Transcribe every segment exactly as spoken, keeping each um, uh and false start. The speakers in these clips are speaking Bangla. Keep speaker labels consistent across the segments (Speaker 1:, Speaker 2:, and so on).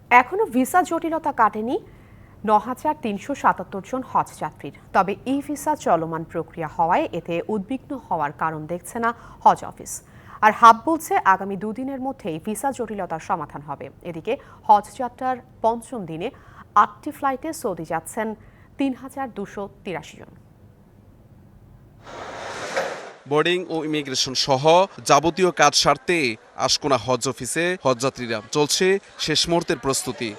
Speaker 1: এখনো ভিসা জটিলতা কাটেনি ন হাজার তিনশো সাতাত্তর জন হজযাত্রীর। তবে ই ভিসা চলমান প্রক্রিয়া হওয়ায় এতে উদ্বিগ্ন হওয়ার কারণ দেখছে না হজ অফিস। আর হাব বলছে আগামী দুদিনের মধ্যেই ভিসা জটিলতার সমাধান হবে। এদিকে হজ যাত্রার পঞ্চম দিনে আটটি ফ্লাইটে সৌদি যাচ্ছেন তিন হাজার দুশো তিরাশি জন।
Speaker 2: বোর্ডিং ও ইমিগ্রেশন সহ যাবতীয় কাজ সারতে আশকোনা হজ অফিসে হজযাত্রীরা। চলছে শেষ মুহূর্তের প্রস্তুতি।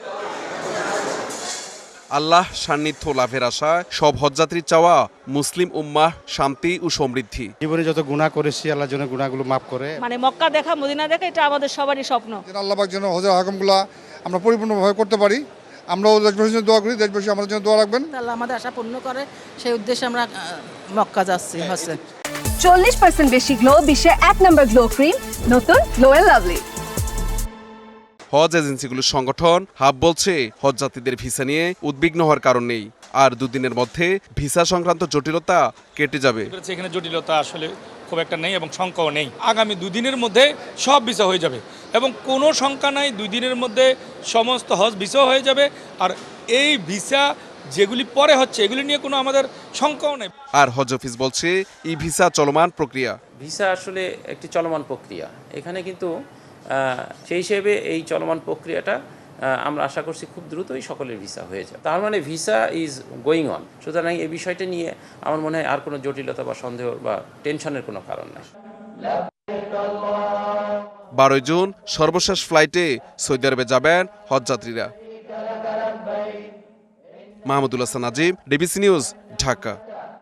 Speaker 2: আল্লাহ সান্নিধ্য লাভের আশায় সব হজযাত্রীর চাওয়া মুসলিম উম্মাহ শান্তি ও সমৃদ্ধি।
Speaker 3: জীবনে যত গুনাহ করেছি আল্লাহ যেন গুনাহগুলো মাফ করে।
Speaker 4: মানে মক্কা দেখা মদিনা দেখা এটা আমাদের সবারই স্বপ্ন।
Speaker 5: আল্লাহ পাক যেন হজের আহকামগুলো আমরা পরিপূর্ণভাবে করতে পারি। আমরাও দেশবাসীর জন্য দোয়া করি, দেশবাসী আমাদের জন্য দোয়া রাখবেন।
Speaker 4: আল্লাহ আমাদের আশা পূর্ণ করে, সেই উদ্দেশ্যে আমরা মক্কা যাচ্ছি হজে।
Speaker 6: চল্লিশ পার্সেন্ট বেশি গ্লো, বিশ্বের এক নম্বর গ্লো ক্রিম, নতুন গ্লো এন্ড লাভলি।
Speaker 2: হজ এজেন্সিগুলোর সংগঠন হাব বলছে হজযাত্রীদের ভিসা নিয়ে উদ্বিগ্ন হওয়ার কারণ নেই, আর দুদিনের মধ্যে ভিসা সংক্রান্ত জটিলতা কেটে যাবে।
Speaker 7: এখানে জটিলতা আসলে খুব একটা নেই এবং শঙ্কাও নেই। আগামী দুই দিনের মধ্যে সব ভিসা হয়ে যাবে এবং কোনো শঙ্কা নাই, দুই দিনের মধ্যে সমস্ত হজ ভিসা হয়ে যাবে। আর এই ভিসা যেগুলি পরে হচ্ছে এগুলি নিয়ে কোনো আমাদের শঙ্কাও নেই।
Speaker 2: আর হজ অফিস বলছে ই ভিসা চলমান প্রক্রিয়া।
Speaker 8: ভিসা আসলে একটি চলমান প্রক্রিয়া, এখানে কিন্তু সেই হিসেবে এই চলমান প্রক্রিয়াটা আমরা আশা করছি খুব দ্রুতই সকলের ভিসা হয়ে যাবে। তার মানে ভিসা ইজ গোয়িং অন। সুতরাং এই বিষয়টা নিয়ে আমার মনে হয় আর কোনো জটিলতা বা সন্দেহ বা টেনশনের কোনো কারণ নেই।
Speaker 2: বারোই জুন সর্বশেষ ফ্লাইটে সৌদি আরবে যাবেন হজযাত্রীরা। Mahmudul Hasan Nazim, DBC news, Dhaka.